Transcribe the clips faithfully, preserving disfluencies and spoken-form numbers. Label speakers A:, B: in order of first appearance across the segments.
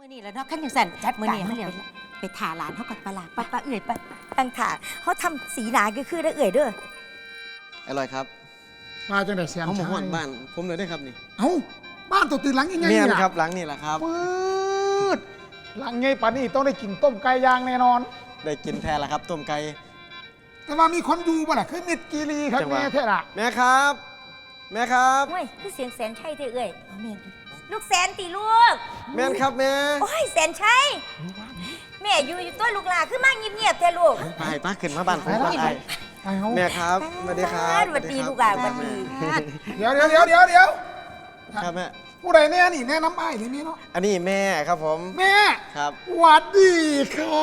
A: มือนี่แล้วเนาะขั้นอย่างสั่น
B: จัด
A: มือ
B: การ
A: นี่
B: มา
A: เขา
B: แล้ว
A: ไปไปถาหลานเขาก่อนปลาหลาด
B: ปะปะเอื่อยปะตั้งถาเขาทำสีหนาก็คือได้เอื่อยเด้อ
C: อร่อยครับ
D: มาจังได๋เสียง
C: เอาหมู
D: ชาย
C: หอนบ้านผมเลยได้ครับนี่
D: เอ้าบ้านตัวตื่นหลังยังไง
C: เมียน
D: ล่ะ
C: ครับหลังนี่แหละครับ
D: ปืดหลังไงป่านนี้ต้องได้กินต้มไก่ย่างแน่นอน
C: ได้กินแท้ละครับต้มไก่
D: แต่ว่ามีคนอยู่บ่ล่ะคือมิดกีรีครับ
C: จังหวะ
D: แม่แท้ล่ะ
C: แม่ครับ แม่ครับ
B: เฮ้ยคือเสียงแสนชัยเด้อเอื่อย
A: เอาแม่ดู
B: ลูกแสนตีลูก
C: แม่นครับแม่
B: โอ้ยแสนชัยแม่อยู่อยู่ตัวลูกหลาคือมาเงียบๆแท้ลูก
C: ไปป้าขึ้นมาบ้านผมก่อนไอ้
D: ไปเฮา
C: แม่ครับสวัสดีครับ
B: สวัสดีลูกหลานสวัสดี
D: เดี๋ยวเดี๋ยวเดี๋ยวเดี๋ยวเดี๋ยว
C: ครับแม่
D: ผู้ใดแน่นี่แน่น้ำอ้ายนี่แม่เนาะ
C: อันนี้แม่ครับผม
D: แม่
C: ครับ
D: หวัดดีครับ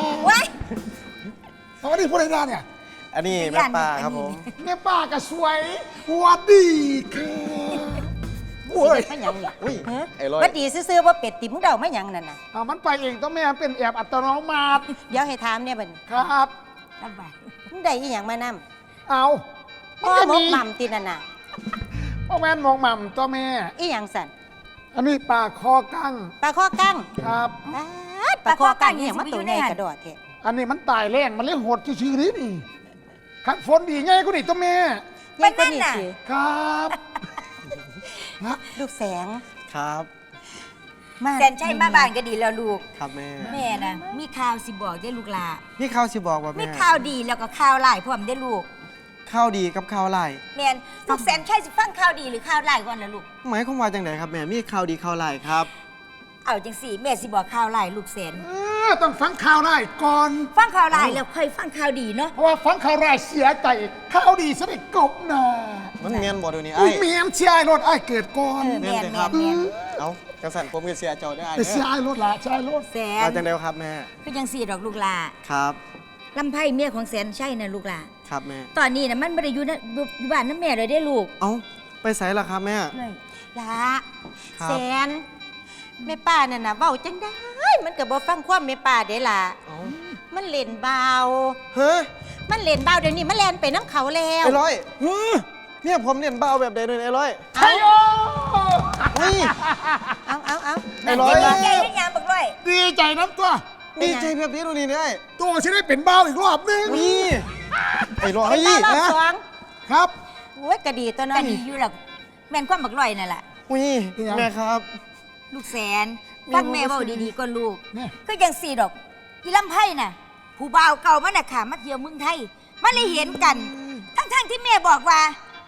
B: ว้าย
D: สวัสดีผู้ใดแน่เนี่ย
C: อันนี้แม่ป้าครับผม
D: แม่ป้าก็สวยหวัดดีครับโอ้ย
A: ไม่หยังนี่
C: อุ้ย
A: ฮะ
C: ไอ้ร้อย
A: ว่าดีซื่อๆว่าเป็ดติมึงเดาไม่หยังนั่นน่ะ
D: อ่ามันไปเองต้องแม่เป็นแอบอัตโนมัติ
A: เดี๋ยวให้ถามเนี่ยบัดนี้
D: ครับ
B: ลำบาก
A: มึงได้อีหยังมานำ
D: เอามั
A: พ่
D: น
A: อ
D: ก็
A: ม
D: มี
A: กหม่ำตินั่นน่ะ
D: พ่อแม่นมองหม่ำตัวแม่
A: อีหยังสั่น
D: อันนี้ปลาคอกั้ง
A: ปลาข้อกั้ง
D: ครับ
A: อ๊าดปลาข้อกั้งอีหยังมาตัวใหญ่กระโดดแท้
D: อันนี้มันตายแรงมันเลยหดชื่อๆนี่นี่ขันฝนดีไงกูนี่ตัวแม่
A: ใหญ่กว่านี่สิ
D: ครับฮะ
A: ลูกแสง
C: ครับ
A: มา
B: แสนชัยมาบ้านก็ดีแล้วลูก
C: ครับแม่
B: แม่นะมีข่าวสิบอกได้อลูกหลา
C: นี่ข้าวสิบอกว่า
B: มี
C: แม่
B: ข่าวดีแล้วก็ข่าวร้ายพร้อมได้อลูก
C: ข้าวดีกับข้าวไร่
B: แม่นลูกแสนชัยสิฟังข่าวดีหรือข่าวร้ายก่อนล่ะลูก
C: หมายความว่าจังไดครับแม่มีข้าวดีข้าวไร่ครับ
B: เอาจังสี่แม่สิบอกข่าวร้ายลูกแสน
D: เออต้องฟังข่าวได้ก่อน
B: ฟังข่าวร้ายแล้วค่อยฟังข่าวดีเนาะ
D: เพราะว่าฟังข่าวร้ายเสียใจข่าวดีสนิทกบหนา
C: มันเมียนบ่เดี๋ยวนี้
D: อุ้
C: ไอ้
D: ยเมียมเชียร์ไอ้รถไอ้เกิดก่อน
B: เออ
C: เมี
B: แม่
C: ยน
B: น
C: เลย
B: แม่
C: ครับ
B: นแม่น
C: เอาจังสันผมก็เสียเจ้าได้ไอ้
D: ไป
C: เด้
D: เชียร์
C: อ
D: ไอ้รถละเชียร์ไอ้รถ
B: แสน
C: เอาจังเดียวครับแม่
B: คือจังสี่ดอกลูกหลา
C: ครับ
B: ลำไพ่เมียของแสนชัยน่ะลูกหลา
C: ครับแม่
B: ตอนนี้น่ะมันบ่ได้อยู่นะอยู่บ้านน้ำแม่เลยได้อลูก
C: เอาไปใส่ละครับแม่
B: เลย
A: ละ
C: ครับ
A: แสนแม่ป้านั่นน่ะเว้าจังได้มันก็บ่ฟังความแม่ป้าเด้ล่ะ
C: เอา
A: มันเล่นเบา
C: เฮ้ย
A: มันเล่นเบาเดี๋ยวนี้มันแล่นไปน้ำเขาแล้ว
C: ไอ้ร้อยเฮ้ยเนี่ยผมเรียนเบ้าแบบใดเลยไอ้ร้อย
D: ใช่โอ
C: เฮ้ย
A: เอาเอาเอา
C: ไอ้ร้อย
B: ดีใจหรือยังบักร้อย
D: ดีใจน้ำตัว
C: ดีใจแบบนี้ดูนี่ได้
D: ตัวฉันได้เป็นเบ้าอีกรอบนึง
C: นี่ไอ้ร้อย
A: เป็นเบารอบ
C: นะ
A: สอง
D: ครับ
A: โอ้ยกระดีตัวน้อ
B: ก็
A: ย
B: ดีอยู่หรอกแม่นความบักร้อยนั่นแหละ
C: อุ้ยแม่ครับ
B: ลูกแสนฟังแม่เว้าดีๆก็ลูก
D: เนี่ย
B: ก็ยังสี่ดอกอีลำไพ่น่ะ ผู้บ่าวเก่ามันน่ะค่ะมาเที่ยวเมืองไทยมันเลยเห็นกัน ทั้งๆที่แม่บอกว่า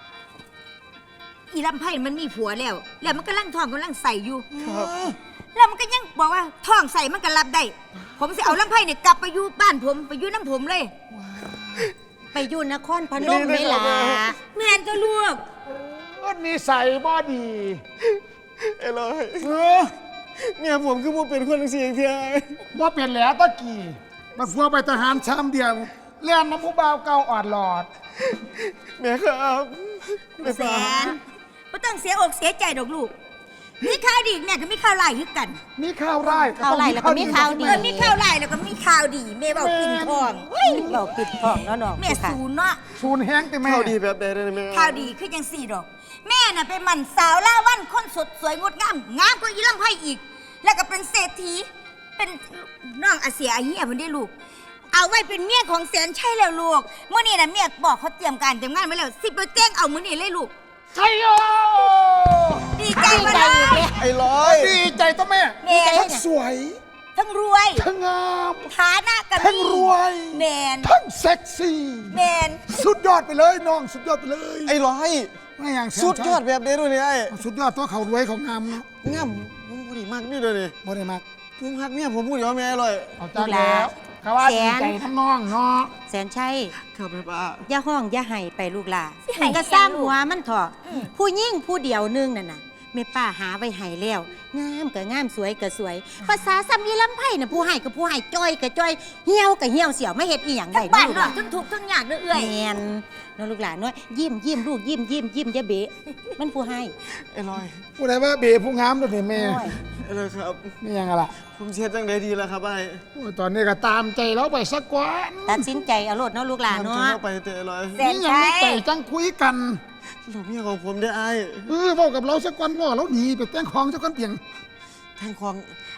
B: อีลำไพ่มันมีผัวแล้ว แล้วมันกำลังท้องกำลังใส่อยู่
C: ครับ
B: แล้วมันก็ยังบอกว่าท้องใส่มันก็รับได้ ผมจะเอาลำไพ่เนี่ยกลับไปอยู่บ้านผมไปอยู่น้ำผมเลย
A: ไปอยู่นครพนมไหมล่ะ
B: แม่นก็ลูก
D: ก็นิสัยบอดี
C: ไอ้ร้อย
D: เออ
C: เนี่ยผมคือผมเป็นคนเสียงเทีย
D: ว่าเป็นแหล้วตะกี้มาฟัวไปทหารชามเดียวเลี้ยนน้ำผู้บ่าวเก่าอ่อนหลอด
C: แม่ครับ
B: ลูกแสนไม่ต้องเสียอกเสียใจดอกลูก มีข่าวดีแม่ก็มีข่าวร้ายคือกัน
D: มีข้าวไร่
A: ข่าวไร่แล้วก็มีข่าวดี
B: เออมีข่าวร้ายแล้วก็มีข่าวดีแม่บอกกินทอง
A: เฮ้ยเราปิดทองแล้วน้อง
B: แม่ศูนย์เนาะ
D: ชูนแห้งแต่แม่
C: ข้าวดีแบบใดเลยแม่
B: ข่าวดีคือยังสี่ดอก แม่น่ะเป็นหมันสาวล่าวันคนสดสวยงดงามงามกว่าอีลำไพ่อีก แล้วก็เป็นเศรษฐีเป็นน้องอาเสียอาเฮียเพิ่นได้ลูก เอาไว้เป็นเมียของแสนชัยแล้วลูกเมื่อนี้น่ะเมียบอกเขาเตรียมการเตรียมงานไว้แล้วสิไปแจ้งเอามื้อนี้เลยลูก
D: ใช่โย
B: ดีใจมาเลย
C: ไอ้ร้อย
D: ดีใจตัวแม่
B: แม่
D: ทั้งสวย
B: ทั้งรวย
D: ทั้งงาม
B: ฐานะกัน
D: ทั้งรวย
B: แมน
D: ทั้งเซ็กซี่
B: แมน
D: สุดยอดไปเลยน้องสุดยอดไปเลย
C: ไอ้ร้อย
D: ไม่อย่าง
C: สุดยอดแบบนี้ดูนี่ไอ้
D: สุดยอดตัวเขารวยเขางามเนาะ
C: ง่ำผมพูดดีมากนี่เลยนี่
D: บ่ได้มาก
C: ผมฮักเนี่ยผมพูดเดี๋ยวแม่อร่อย
D: เอาจ้าแล้วเขาว่าดีใจทั้งน้องเนาะ
A: แสนชัย
C: ครับแม่ป้า
A: อย่าห้องอย่าไห้ไปลูกหล่ะ
B: สิให้
A: ก็สร้าง
B: อีหยังลูก
A: หัวมันเถอะผู้ยิ่งผู้เดียวนึงนั่นน่ะแม่ป้าหาไว้ให้แล้วงามก็งามสวยก็สวย ภาษาซ้ำยีลำไผ่น่ะผู้ให้ก็ผู้ให้จ้อยก็จ้อยเหี่ยวก็เหี่ยวเสียวไม่เฮ็ดอีหยัง
B: ทั้
A: ได้
B: งบ้าน
A: ลูก
B: น
A: ห
B: อ
A: ล่ะ
B: กทั้งทุกข์ทั้งยากเด้อเอื้อย
A: แม่นน้องลูกหลานน้อยยิ้มยิ้มลูกยิ้มยิ้มยิ้มอย่าเบะมันผู้ให้
C: ไอ้ร้อย
D: ผู้ใดว่าเบผู้งามตัวนี้แม่
A: โอ้ย
C: ไอ้ร้อยครับ
D: นี่ยังไงล่ะ
C: ผมเชียร์จังไดดีแล้วครับไอ้
D: โอ้ยตอนนี้ก็ตามใจเราไปสักกว่า
A: ตัดสินใจเอาโลดเนาะลูกหลาน
C: ทำ
A: เนาะ
C: จังเข้าไปเตะไอ้ร้อย
B: แสน
D: นี่ยัง
B: ชั
D: ไม่
B: ย
D: ไปจังคุยกัน
C: หลบเมียของผมได้ไอ้
D: เออบอกกับเราสักวันว่าเราหนีไปแต่งของสักวันเพียง
C: แทงควง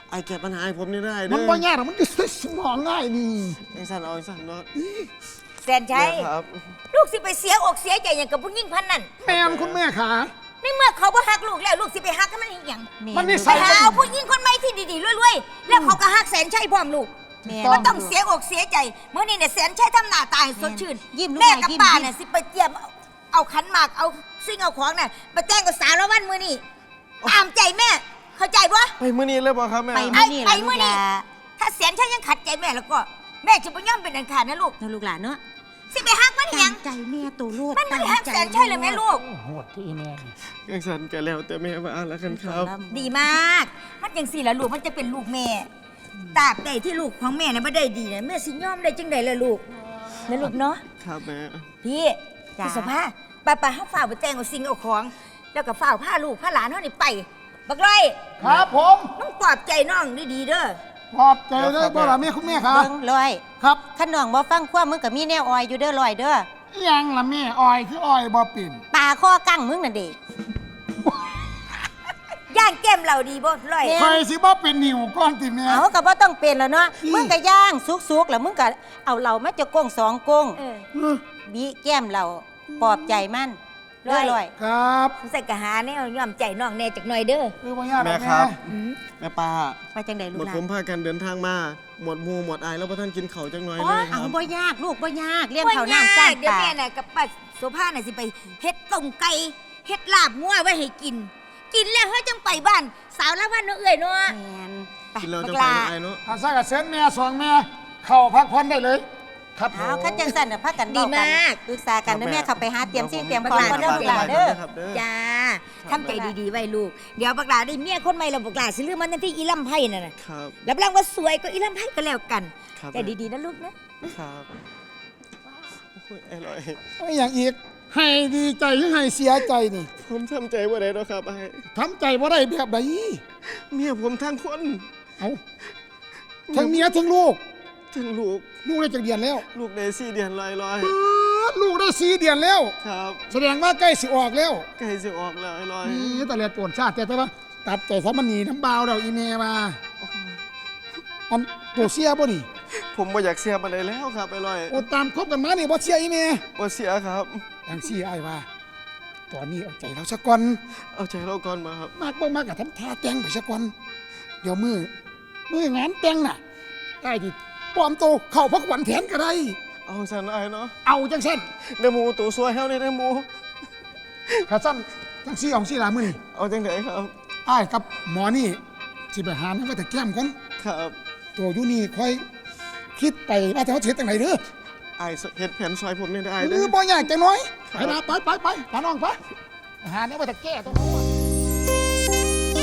C: ไอ้แก้ปัญหาให้ผมนี่ได้เด้อ
D: มันบ่ยากหรอกมันจะสมองง่ายนี่
C: ไอ้สันเอาไอ้สันเนาะ
B: แสนชัย
C: แม่ครับ
B: ลูกสิไปเสียอกเสียใจอย่างกับผู้หญิงพันนั่น
D: แม่นคุณแม่ขา
B: ในเมื่อเขาบ่ฮักลูกแล้วลูกสิไปฮักกันมันอีหยัง
D: มันนิ
B: ไป
D: สัย
B: หาเอาผู้หญิงคนใหม่ที่ดีๆรวยๆแล้วเขาก็ฮักแสนชัยพร้อมลูก
A: แม่
B: ก็ต้องเสียอกเสียใจเมื่อนี้เนี่ยแสนชัยทำหน้าตายสดชื่น
A: ยิ้มลูก
B: แม่
A: หน่อย
B: กับ
A: ยิ้ม
B: ป้า
A: ยิ้ม
B: เนี่ยสิไปเตรียมเอาขันหมากเอาซิ่งเอาของน่ะไปแจ้งกับสาวละวันมือนี่ตามใจแม่ เข้าใจปะ
C: ไปมื้อนี้เลยบ่ครับแม่
A: ไป
B: ไอ้
A: มื้อนี้
B: ไป
A: ล่ะ
B: มือนี่
A: ลูกหลา
B: ถ้าแสนชัยยังขัดใจแม่แล้วก็ แม่จะไปย่อมเป็นอันขาดนะลูก
A: เนาะลูกหลานเนาะ
B: สิไปฮักมันอีหยั
A: ตั้
B: ง
A: งใจแม่ตัวลูก
B: มันไม่ได้ฮักแสนชัยเลยแม่ลูก
D: โหดที่แม่นี่
C: ไอ้สันก็แล้วแต่แม่ว่าแล้วกันครับ
B: ดีมาก มันยังสี่ละลูกมันจะเป็นลูกแม่ตราบใดที่ลูกของแม่เนี่ยไม่ได้ดีเนี่ยแม่สิย่อมได้จังใดล่ะลูกนะลูกเนาะ
C: ครับแม่
B: พี่พี่สภาป้าป้าเขาฝ่ากไปแจ้งเอาสิ่งเอาของ แล้วก็ฝ่ากผ้าลูกผ้าหลานเขานี่ไป บักไร
D: ครับผม
B: ต้องปลอบใจน้องดีๆเด้อ
D: ขอบใจเลยบ่ล่ะแม่คุณแม่ขา
A: เบิ่งลอย
D: ครับ
A: ขันน้องบ่ฟังความมึงก็มีแนวออยอยู่เด้อลอยเด้อ
D: ยังล่ะแม่อ้อยคืออ้อยบ่ปิ่น
A: ปลาข้อกั้งมึงน่ะเด็ก
B: ย่างแก้มเราดีบ่ร้อย
A: แม่
D: ใครสิบ่เป็นนิ่วก้อนติแม่
A: เอาก็บ่ต้องเป็นแล้วเนาะ
D: อืม
A: มึงก็ย่างสุกๆแล้วมึงก็เอาเหล่ามาจะกงสองกง
B: เออ
D: เออ
A: บีแก้มเราปลอบใจมันเด้อลอย
D: ครับ
B: ใส่กะหาแนวย่อมใจน้องแน่จักหน่อยเด้อ
D: คือบ่ยากหร
C: แม่
D: อก
C: ค
D: แม่
C: รับ
B: อืม
C: แม่ป้า
A: ไปจังได๋ลู
C: ห
A: ก
C: มด
A: หลา
C: ผ
A: น
C: มพากันเดินทางมา หมดหมูหมดอายแล้วพ่ท่านกินเขาวจังหน่อย
A: อ๋
C: เล
A: อย
C: ค
A: เอา
C: รับ
A: บ่ยากลูกบ่ยากเลี้ยง
B: บ่
A: เขา
B: ยา
A: น้ำจ้าก ง
B: เดี๋ยว
A: ปลา
B: แม่น่ะกับป้าโสภาน่ะสิไปเฮ็ดต้มไก่เฮ็ดลาบงัวไว้ให้กิน กินแล้วเฮ้ยจังไปบ้าน สาวละวันเนาะเอ้ยเนาะ
A: แม่นไป
C: กินเรา
A: บั
C: จะ
A: ก
C: ไป
A: ลา
C: ไอ้เนาะ
D: ถ้าซะกับเส้นแม่สองแม่เข้าพักผ่อนได้เลย ครับ
A: เอาคันจังซั่นน่ะพากัน
B: ดี
A: เว้ากัน
B: มาก
A: ปรึกษากันเด้อแม่เข้าไปหาเตรียมสิ่งเตรียม
B: บั
A: ข
B: ก
A: อง
B: หลา
A: ก่อนเด้อลูกหลานเด้อ
C: ครับเด้อ
B: จ้าทำใจดีๆไว้ลูก เดี๋ยวบักหลาได้เมียคนใหม่แล้วบักหลาสิลืมมันนั่นที่อีลำไพ่นั่นน่ะ
C: ครับ
B: รับรองว่าสวยกว่าอีลำไพ่ก็แล้วกัน
C: ครับ
B: ใจดีๆนะลูกนะ
C: ครับโอ้ยไอ้ลอย
D: ไม่อย่างอีก ให้ดีใจหรือให้เสียใจนี่
C: ผมทำใจว่าได้แล้วครับไอ้
D: ทำใจบ่ได้แบบใด
C: เมียผมทั้งคน
D: เอาทั้งเมียทั้งลูก
C: ทั้งลูก
D: ลูกได้จากเดือนแล้ว
C: ลูกได้สี่เดือนลอยลอย
D: ปื๊ดลูกได้สี่เดือนแล้ว
C: ครับ
D: แสดงว่าใกล้สิออกแล้ว
C: ใกล้จะออกแล้วไอ้ลอย
D: นี่แต่แลปวดชาติแต่แต่ว่าตัดใจซะมันหนีน้ำบาวเราอีเมมาอันตัวเสียบ่นี่
C: ผมไม่อยากเสียอะไรแล้วครับไอ้ลอย
D: โอตามคบกันมานี่บ่เสียอีเม
C: บ่เสียครับ
D: อย่างซี่ไอ้ายว่า ตอนนี้เอาใจเราซะก่อน
C: เอาใจเราก่อนมาครับ
D: มากบ่มากกับทำท่าแต่งไปซะก่อนเดี๋ยวมือมืองานแต่งน่ะไอ้ที่ปลอมตัวเข้าพักวันแทนก็ได้
C: เอาสันไอ้เนาะ
D: เอาจังเส้น
C: เดอหมูตัวสวยเฮานี่เดอหมู
D: ข้าสั้นจังซี่เอาซี่ลามือนี่
C: เอาจังไดครับ
D: ไอ้ายกับหมอนี่สิไปหาน้ำก็แต่แก้มก่อน
C: ครับ
D: ตัวอยู่นี่ค่อยคิดไปว่าจะเขาเช็ดจังไหนเด้อ
C: ไอ้เฮ็ดแผนซอยผมนี่ได้
D: ห
C: เด้
D: รือ
C: อ
D: บ่อยากจะน้อยไปนะไปไปไปพาน้องไปหาเนี่ยว่าจะแก้ตรงนู้น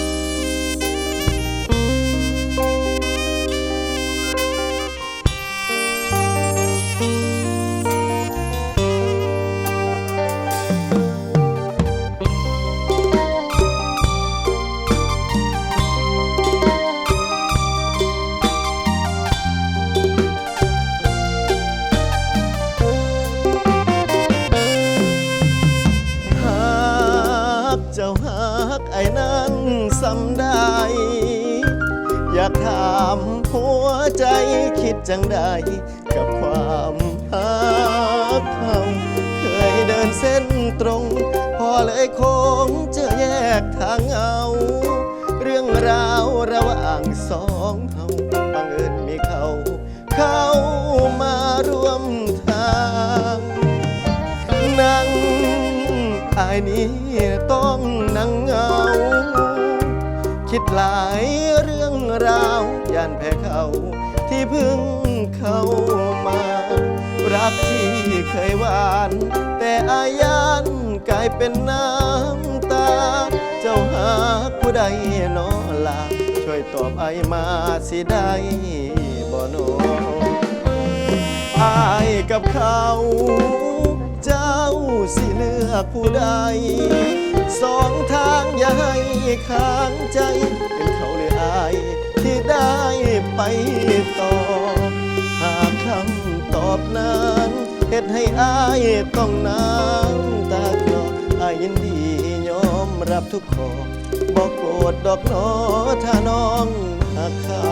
C: หักเจ้าหักไอ้นั้นสำได้ อยากถามหัวใจคิดจังใดกับความหักเขาเคยเดินเส้นตรง พอเลยคงจะแยกทางเอา เรื่องราวระหว่างสองเขาบังเอิญมีเขา เข้ามาร่วมทางนั่งอายนี้ต้องนั่งเหงา คิดหลายเรื่องราวย่านแพ้เขาที่เพิ่งเข้ามา รักที่เคยหวาน แต่อายันกลายเป็นน้ำตา เจ้าหาผู้ใดนอลาช่วยตอบไอมาสิได้บ่โนอายกับเขาเจ้าสิเลือกผู้ใด สองทางอย่าให้ค้างใจ เป็นเขาหรืออายที่ได้ไปต่อ หากคำตอบนั้นเหตุให้อายต้องน้ำตาคลออายยินดียอมรับทุกข้อบอกโกรธดอกหนอถ้าน้องหากเขา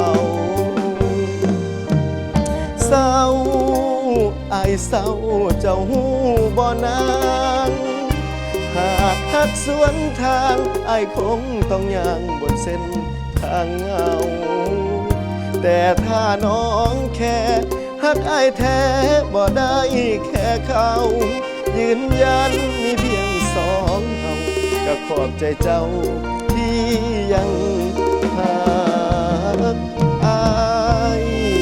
C: เศร้าอายเศร้าเจ้าหูบ่นางหากหักสวนทางอายคงต้องย่างบนเส้นทางเงาแต่ถ้าน้องแค่หักอายแท้บ่ได้แค่เขายืนยันมีเพียงสองเฮาก็ขอบใจเจ้าที่ยังหักอาย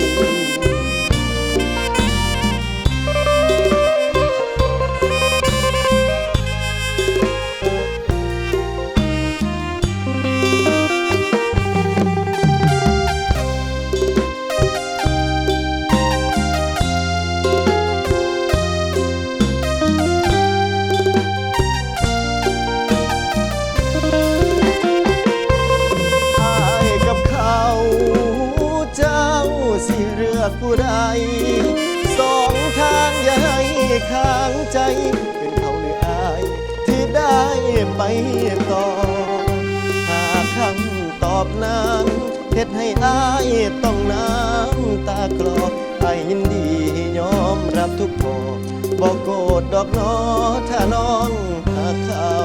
C: ผู้ใดสองทางอย่าให้ค้างใจเป็นเขาหรืออายที่ได้ไปต่อหากคำตอบนั้นเฮ็ดให้อายต้องน้ำตาคลออายยินดียอมรับทุกพอบอกโกรธดอกน้อถ้าน้องหากเขา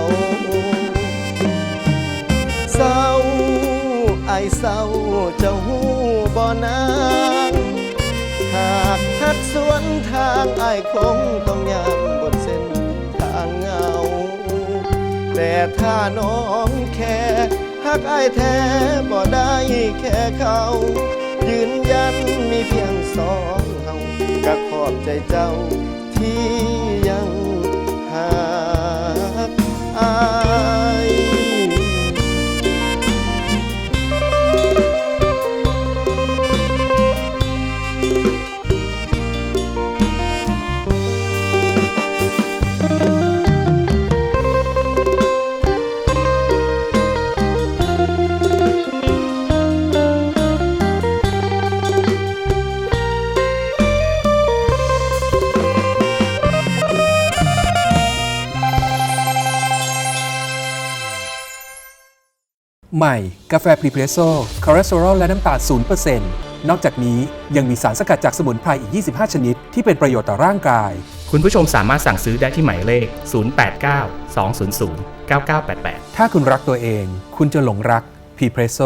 C: เศร้าอายเศร้าเจ้าหูบ่นางหากหักสวนทางอายคงต้องย่างบนเส้นทางเงาแต่ถ้าน้องแค่หักอายแท้บ่ได้แค่เขายืนยันมีเพียงสองเฮาก็ขอบใจเจ้าที่ยังหักอาย
E: ใหม่กาแฟพรีเพรสโซ่คอเลสเตอรอลและน้ำตาล ศูนย์เปอร์เซ็นต์ นอกจากนี้ยังมีสารสกัดจากสมุนไพรอีก ยี่สิบห้า ชนิดที่เป็นประโยชน์ต่อร่างกาย
F: คุณผู้ชมสามารถสั่งซื้อได้ที่หมายเลข ศูนย์ แปด เก้า สอง ศูนย์ ศูนย์ เก้า เก้า แปด แปด
E: ถ้าคุณรักตัวเองคุณจะหลงรักพรีเพรสโซ่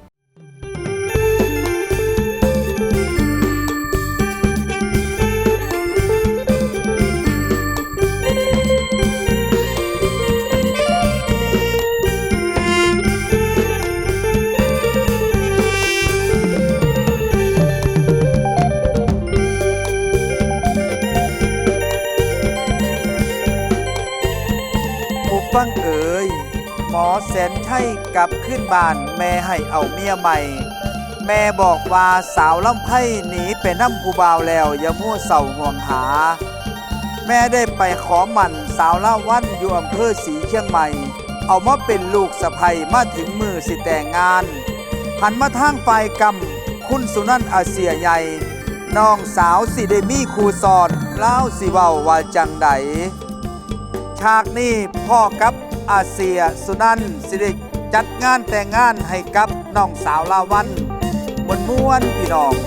G: ฟังเอ๋ยหมอแสนไข้กลับขึ้นบ้านแม่ให้เอาเมียใหม่แม่บอกว่าสาวลำไพ่หนีไปน้ำผู้บ่าวแล้วอย่ามั่วเศร้าห่วงหาแม่ได้ไปขอหมั่นสาวล่าวันอยู่อำเภอศรีเชียงใหม่เอามาเป็นลูกสะใภ้มาถึงมือสิแต่งงานหันมาทางฝ่ายกรรมคุณสุนันท์อาเซียใหญ่น้องสาวสิได้มีครูสอนเล่าสิเว้าว่าจังใดฉากนี้พ่อกับอาเซียสุนันท์สิได้จัดงานแต่งงานให้กับน้องสาวลาวันมวนม้วนพี่น้อง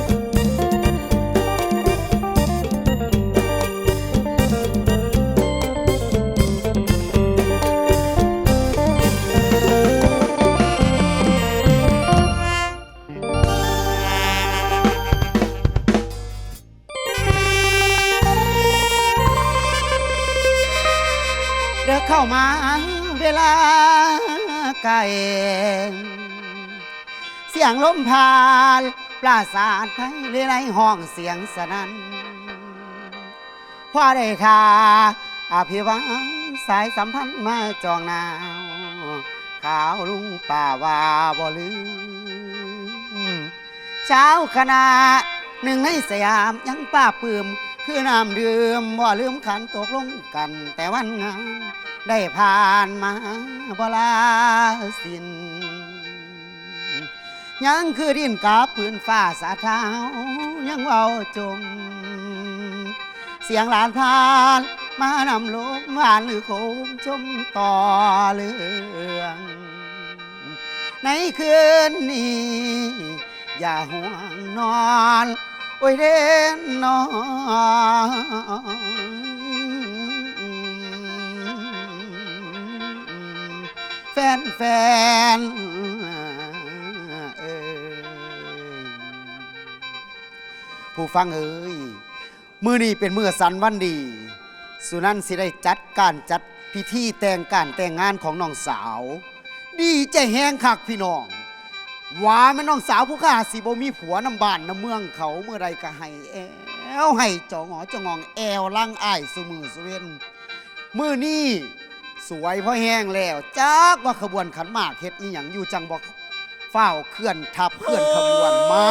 H: เดินเข้ามาเวลาไกลเสียงลมผ่านปราสาทไทยเรไรห้องเสียงสนั่นพอได้ข่าอภิวังสายสัมพันธ์มาจองนาวข่าวลุงป่าว่าบ่ลืมเช้าคณะหนึ่งในสยามยังป้าปืมคือน้ำดื่มบ่ลืมขันตกลงกันแต่วันงานได้ผ่านมาบ่ลาสิ้นยังคือดินกับพื้นฟ้าสาเท้ายังเว้าจมเสียงหลานพานมานำลมหวานหรือโคมชมต่อเรื่องในคืนนี้อย่าห่วงนอนโอ้ยเด่นนอนแฟนแฟนเอ้ยผู้ฟังเอ้ยมื้อนี้เป็นมื้อสันวันดี สุนันท์สิได้จัดการจัดพิธีแต่งการแต่งงานของน้องสาว ดีใจแห้งคักพี่น้องว่าแม่น้องสาวผู้ข้าสิบ่มีผัวน้ำบ้านน้ำเมืองเขาเมื่อไรก็ให้แอวให้จองหอจององแอวลังอ้ายสุมือสุเวนมื้อนี้สวยพอแห้งแล้วจักว่าขบวนขันหมากเฮ็ดอีหยังอยู่จังบอกเฝ้าเคลื่อนทับเคลื่อนขบวนมา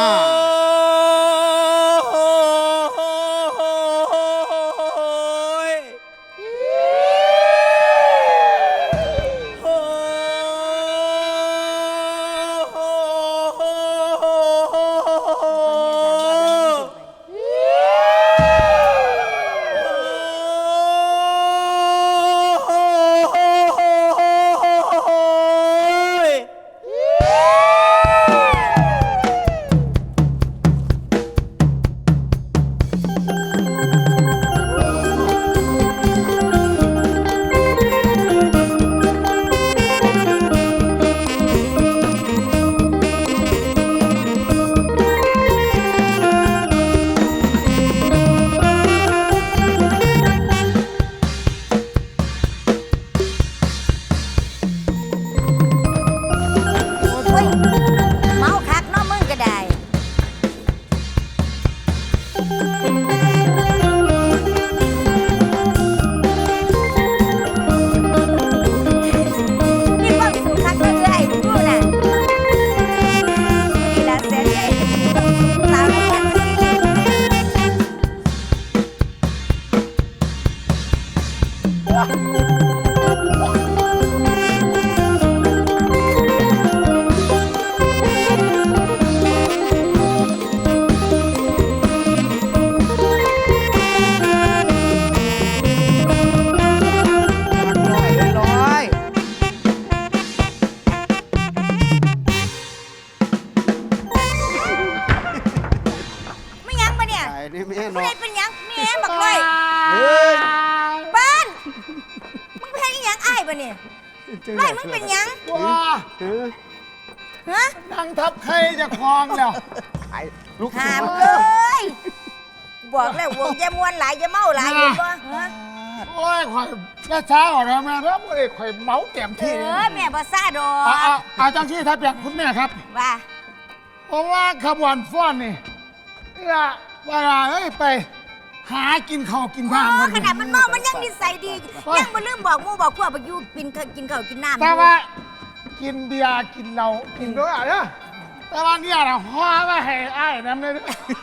H: ไล่มึงเป็นยังว้าฮะนั่งทับใครจะคลองแล้วลูกหามเลยบอกแล้ววงจะมวนหลายจะเมาหลายอยู่ป่ะโอ้ยข่อยแม่ช้าอ่อนแล้วแม่แล้วโอ้ยข่อยเมาเต็มที่เออแม่ภาษาดอกอาจารย์ชี้ทับอย่างคุณแม่ครับว่าเพราะว่าขบวนฟ้อนนี่เวลาเอ้ยไปหากินข้าวกินน้ำขนาดมันเมามันยังนิสัยดียังมาลืมบอกมู่บอกพวกไปอยู่กินกินข้าวกินน้ำแต่ว่ากินเบียร์กินเหล้ากินด้วยอะไรแต่ว่าเนี่ยเราห่อมาให้อ้ายน้ำเลย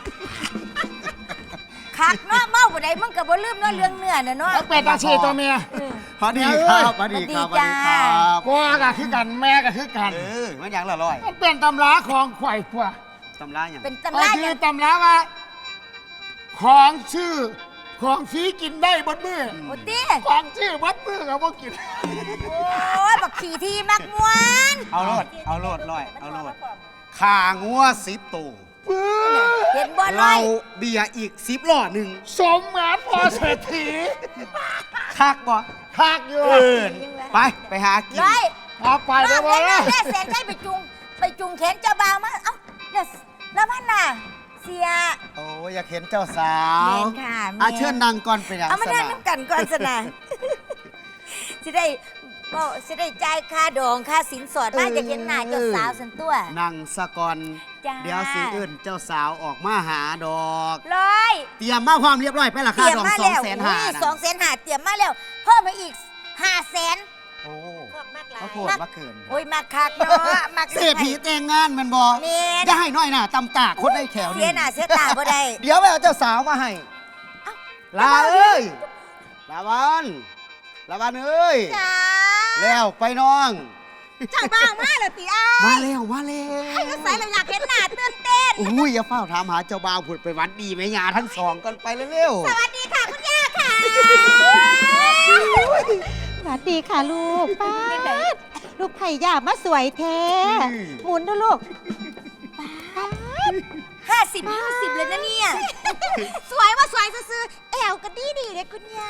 H: คักเนาะเมาบ่ได้มึงกับบ่ลืมเนาะเรื่องเนื้อน่ะเนาะเป็ดตาชีตัวเมียพอดีครับพอดีครับพอดีครับกูก็คือกันแม่ก็คือกันเออมันอย่างละร้อยมันเป็นตำราของข่อยกว่าตำราอย่างเป็นตำราคือตำราว่าของชื่อของฟรีกินได้บดมือโอ้ตีของชื่อบดมือกับว่ากินโอ้ยบักขี่ทีมักมวนเอาโลดเอาโลดลอยเอาโลดขางัวสิบตัวเห็นบอลเราเบียร์อีกสิบหลอดหนึ่งสมงานพอเศรษฐีคักบ่คักอยู่ไปไปหากินเอาไปเดี๋ยวบอลแล้วแม่แสนใจไปจุงไปจุงแขนเจ้าบ่าวมาเอ้าแล้วพันน่ะเสียโอ้อยากเห็นเจ้าสาวเห็นค่ะอาเชิญนางก่อนไปอย่างเอามานั่งน้ำกันก่อนสนะสิได้ก็สิได้จ่ายค่าดองค่าสินสอดมาจะเห็นหน้าเจ้าสาวสันตัวนางสะกอนเดี๋ยวสิอื่นเจ้าสาวออกมาหาดอกร้อยเตรียมมาความเรียบร้อยไปละค่าดองสองแสนห้าสองแสนห้าเตรียมมาแล้วเพิ่มมาอีกห้าแสนโอ้เขาโทษมาเกินโอ้ยมาคักเนาะมาเสียผีแต่งงานมันบอกจะให้น้อยหน่าตำตาคนได้แขวนี่เสียหน้าเสียตาบ่ได้เดี๋ยวไปเอาเจ้าสาวมาให้ลาเอ้ยลาวันลาวันเอ้ยแล้วไปน้องช่างบ้างมาเลยตีอ้ามาแล้วมาแล้วให้ก็ใส่เราอยากเห็นหน้าตื่นเต้นอุ้ยอย่าเฝ้าถามหาเจ้าบ่าวผุดไปวัดดีไหมยาทั้งสองกันไปเร็วสวัสดีค่ะคุณย่าค่ะสวัสดีค่ะลูกป้าลูกไผ่ย่ามาสวยแท้หมุนด้วยลูกป้า
B: ห้าสิบห้าสิบเลยนะเนี่ย
A: สวยว่าสวยซื่อๆแอวก็ดีดีเลยคุณยาย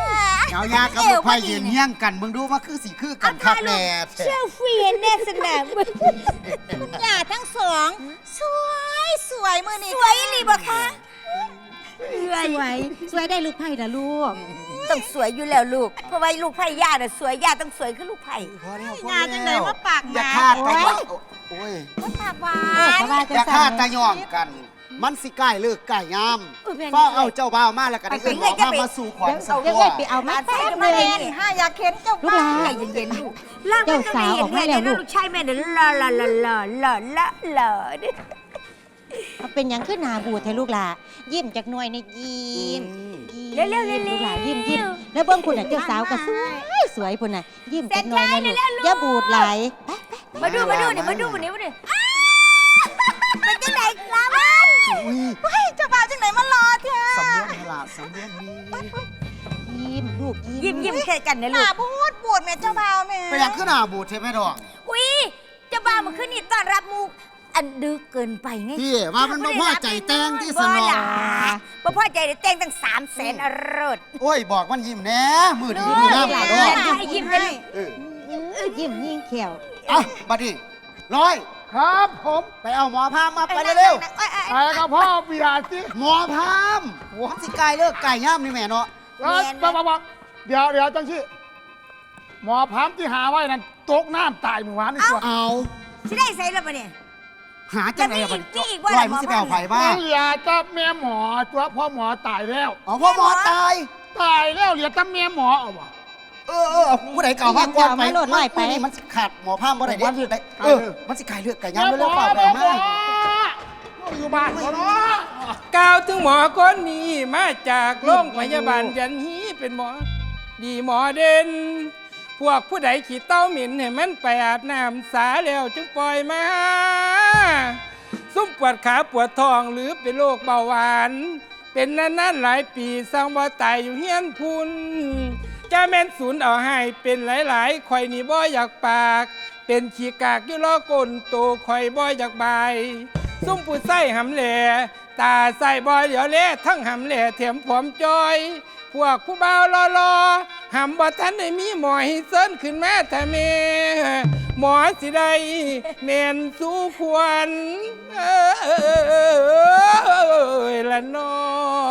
H: เอายากับลูกไผ่ยืนเฮี้ยงกันมึงดูว่าคือสีคือกันคักแน่
B: เชลฟี่เห็นแน่สนาม
A: คุณยายทั้งสอง สวยสวยมือนี่
B: สวยอีหลีบ่คะสวย
A: สวยสวยได้ลูกไผ่ละลูก
B: ต้องสวยอยู่แล้วลูก เพราะว่าลูกไผ่ย่าน่ะสวยย่าต้องสวยคือลูกไผ่
H: พอแล้วพอ
A: งานจังไหนว่าปากห
H: อย่า
A: มา
H: คาดตะย่องโอ้ย
A: ว่าปากหวา
B: เออ
A: น
B: ก็ว่า
H: อย่าคาดตะย่องกัน มันสิใกล้เลิกใกล้ยามฟ้าเอาเจ้าบ่าวมาแล้วก็ได้เอิ้นหมอพามาสู่ขวัญสัก
A: เดี๋ยว
H: ตัว
A: เอ้ยไปเอามาแป๊บ
B: มา
A: เล
B: เล่
A: ย
B: นห้าอยากเห็นเจ้า
A: ลูกหลาน
B: ใจเย็นๆลูกล่าง
A: เจ้าสาวออกมาแล้วลูก
B: ลูกชายแม่เดี๋ยวลาลาลาลาลาลาลาเด้อ
A: เอาเป็นหยังขึ้นหนาบูดให้ลูกหลายิ้มจากหน่วยในยิ้ม
B: เร็วๆเร็วๆ
A: ลูกหลายิ้มยิ้มแล้วเบิ้งคุณน่ะเจ้าสาวก็สวยสวยพุ่นน่ะยิ้มจากหน่วยนะลูกอย่าบูดไหลไป
B: มาดูมาดูนี่มาดูมานี่มาดูเป็นจังไหนครับ
H: อุ้ย
A: เฮ้ยเจ้าบ่าวจังไหนมารอเธอ
H: สำเนียงตลาดสำเนียงนี้
A: ยิ้มลูกยิ้
B: ยิ้
A: ม
B: มยิ้มแค่กันนะ
A: ห
B: ลู
A: น้าก บูดบูดแม่เจ้าบ่าวแม่
H: ไปอยากขึ้นหน้าบูดใช่ไหมดอก
B: อุ้ยเจ้าบ่าวมาขึ้นนี่ต้อนรับมูอันดึกเกินไปไง
H: พี่ว่ามันบ่พอใจแต่งที่สนอ
B: บ่พอใจได้แต่งตั้งสามแสนอรรถ
H: โอ้ยบอกมันยิ้มแหน่มือดีมือน้ำหลายดอก
B: ให้ยิ้มเลย
H: เออ
A: ยิ้มยิ่งเขียว
H: อ่ะบัดนี้ร้อย
D: ครับผม
H: ไปเอาหมอพามมาไปเร็ว
D: ไปกับพ่อเบียร์สิ
H: ๆหมอพามมันสิไก่เลิกไก่ย่ำนี่แม่เนาะ
D: เอ้ยปั๊บปั๊บปั๊บเดี๋ยวเดี๋ยวจังสิหมอพามที่หาไว้นั่นตกน้ำตายเมื่อวานนี่ตัว
H: เอา
B: สิได้ใส่แล้วปะเนี่ย
H: หาจังไหนอะบัด
B: จะมี
H: นี้
B: อีกว่า
H: ร้อยมันสิไปเอาไผ่บ้าง
D: เหลือแต่แม่หมอตัวพ่อหมอตายแล้ว
H: อ๋อพ่อหมอตาย
D: ตายแล้วเหลือแต่แม่หมอเอาวะ
H: เออเออเอาผู้ใดเก่าพักก่อนไป
A: เอามาโหลดไล่ไป
H: นี่มันสิขาดหมอพามบ่ได้เด็
D: วันที่
H: ได้
D: ไก่
H: เออ
D: เลิก
H: มันสิไก่เลือกไก่
D: แม่
H: ย่ำ
D: หม
H: เร็
D: อ
H: วๆเปล่าไป
D: แม่
H: เอา
D: หม
H: มา
D: ออยู่บ้านเขาเนาะ
I: กล่าวถึงหมอคนนี้มาจากโรงพยาบาลยันฮีเป็นหมอ ดีหมอเด่น พวกผู้ใดขี่เต้าหมิ่นให้มันไปอาบน้ำสาแล้วจึงปล่อยมา ซุ่มปวดขาปวดท้องหรือเป็นโรคเบาหวาน เป็นนานๆหลายปีสร้างบ่ตายอยู่เฮียนพุนจะแม่นศูนย์เอาให้เป็นหลายๆข่อยนี่บ่อยากปาก เป็นขี้กากอยู่ล้อก้นโตข่อยบ่อยากบาย ซุ่มผู้ใส่หำแหล่ตาใส่บ่อยเดี๋ยวเละทั้งหำแหล่เถียมผอมจอย พวกผู้บ่าวรอๆหำบ่ทันได้มีหมอให้เซินขึ้นมาแต่เมหมอสิได้เมนสู้ควรเอ้ยละน้อง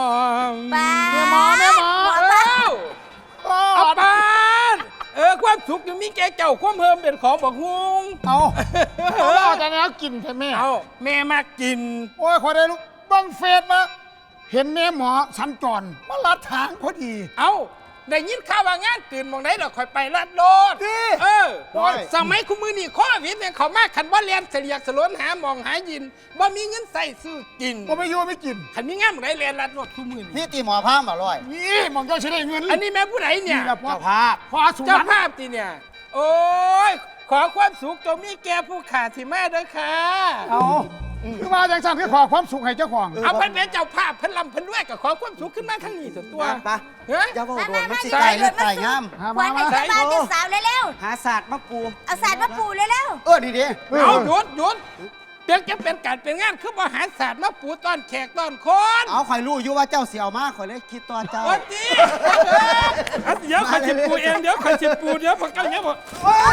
B: ป้า
D: แม่หมอแม่หมอ
I: เอ้าเอาปานเออความสุขยังมีแก่เจ้าความเพิ่มเป็นของบอกฮุง
D: เอาเอาล่อแต่แล้วกินใช่ไหม
I: เอาแม่มากิน
D: โอ้ยขอได้ลูกเบังเฟซมาเห็นแม่หมอสัญจรมาลัดทางพอดี
I: เอาได้ยินข่าวว่างานตื่นมองได้ดอกคอยไปลัดโดด
D: ดิ
I: เออ
D: โอ้ย
I: สมัยคุณมือนี่ข้อวิทย์เนี่ยเขามาขันว่าเรียนเสียกสลวนหาหมองหายินว่ามีเงินใส่ซื้อกิน
D: ก็ไม่อยู่ไม่กิน
I: ขันมีงานมองได้เรียนลัดโดดคุณมือนี่
H: นี่ตีหมอพามบ่ร้อย
D: นี่มองเจ้าใช้ได้เงิน
I: อันนี้แม่ผู้ใดเนี่ย
D: นี่แหละพ่อ
H: เจ้าภาพ
D: พ่อสุวร
I: เจ้าร
D: ณ
I: ภาพตีเนี่ย โอ้ยขอความสุขจงมีแก่ผู้ขาดที่แม่เด้อค่ะ
D: เอาคือมาจังสันคือขอความสุขให้เจ้าของ
I: เอาเพิ่นเป็นเจ้าภาพเพิ่นลำเพิ่นด้วยกับขอความสุขขึ้นมาทั้งนี้ส่วนตัว
H: ไป
I: เฮ้ย
H: อย่าบอกโดนมันสิไก่เลือดไก่ย่ำ
D: หา
B: ควั
D: มาน
B: ให้
D: มา
B: เจ้าบ่าวเจ้าสาวเร็ว
H: หาศาสตร์มาปู
B: ๆเอาสารมาปูเร็ว
H: เออดีดี
I: เอาหยุดหยุดเพียงจะเป็นการเป็นงานคือบริหารศาสตร์มาปูต้อนแขกต้อนคน
H: เอาข่อยรู้อยู่ว่าเจ้าเสียวมากข่อยเลยคิดตัวเจ้า
I: โอ้ตีเดี๋ยวขอยจิปูเองเดี๋ยวขอยจิปูเดี๋ยวพอเก้าเนี้ยบอก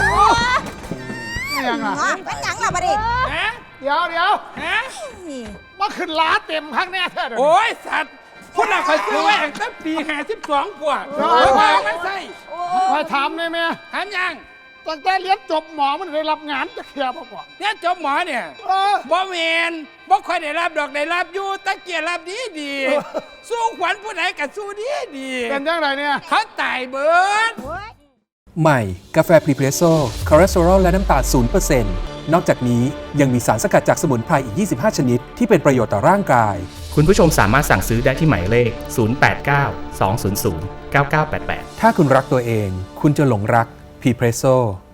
D: นี่ยังอ่ะ
A: อ๋อมันหยังล่ะบัดนี้
I: ฮะ
D: เดี๋ยวเดี๋ยว
I: ฮะ
D: มาขึ้นล้าเต็มข้างแน่แท้เดี๋ยวนี้
I: โอ้ยสัตว์คนเราคอยซื้อไว้ตั้งแต่ปีห้าสิบสองกว่า
D: โอ้
I: โอ้
D: ย
I: ยมาไม่ใช่
D: คอยถามเลยแม่
I: ถามยัง
D: ตั้งแต่เรียนจบหมอมันได้รับงานจะเคลียร์ป่ะก่อน
I: เนี่ยจบหมอเนี่ย
D: เออ
I: บ่เมนบ่ค่อยได้รับดอกได้รับอยู่ตะเกียรรับดีดีๆสู้ขวัญผู้ใดกับสู้ดีดี
D: เป็นยังไงเนี่ย
I: เขาตายเบิด
E: ใหม่ กาแฟพรีเพรสโซ่คอเลสเตอรอลและน้ำตาล ศูนย์เปอร์เซ็นต์ นอกจากนี้ยังมีสารสกัดจากสมุนไพรอีก ยี่สิบห้า ชนิด ที่เป็นประโยชน์ต่อร่างกาย
F: คุณผู้ชมสามารถสั่งซื้อได้ที่หมายเลข ศูนย์ แปด เก้า สอง ศูนย์ ศูนย์ เก้า เก้า แปด แปด
E: ถ้าคุณรักตัวเอง คุณจะหลงรักพรีเพรสโซ่